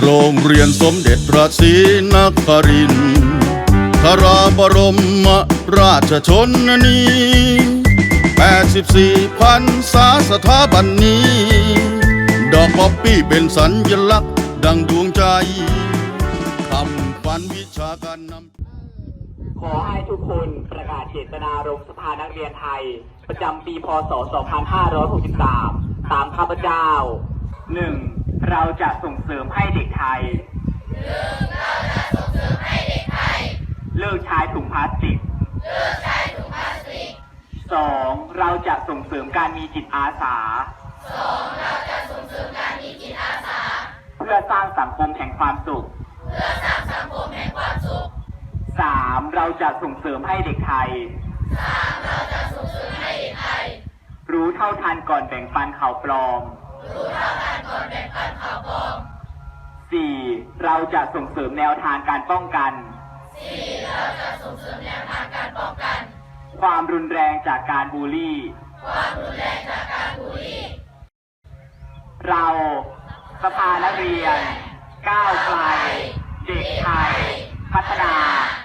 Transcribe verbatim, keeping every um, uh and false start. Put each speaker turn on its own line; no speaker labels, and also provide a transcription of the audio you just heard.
โรงเรียนสมเด็จพระศรีนครินทร์ทราบรมราชชนนีแปดสิบสี่พรรษาสถาบันนี้ ดอกป๊อปปี้เป็นสัญลักษณ์ดังดวงใจคำขวัญวิชาการนำ
ขอให้ทุกคนประกาศเจตนารมณ์สภานักเรียนไทยประจำปีพ.ศ. สองพันห้าร้อยหกสิบสาม ตามข้าพเจ้า หนึ่ง เราจะส่งเสริมให้เด็กไทย
หนึ่ง เราจะส่งเสริมให้เด็กไทย
เลิกใช้ถุงพลาสติก
เลิกใช้ถุงพลาสติก
สอง เราจะส่งเสริมการมีจิตอาสา
สอง เราจะส่งเสริมการมีจิตอาสา
เพื่อสร้างสังคมแห่งความสุข
เพื่อสร้างสังคมแห่งความสุข
สาม เราจะส่งเสริมให้เด็กไทย
สาม เราจะส่งเสริมให้เด็กไทย
รู้เท่าทันก่อนแบ่งปันข่าวปลอม
รู้เท่าทันก่อนแบ่งปันข่าวปลอม
สี่ เราจะส่งเสริมแนวทางการป้องกัน
สี่ เราจะส่งเสริมแนวทางการป้องกัน
ความรุนแรงจากการบูลลี่
ความรุนแรงจากการบูลลี่
เราสภานักเรียนก้าวไกลเด็กไทย พัฒนา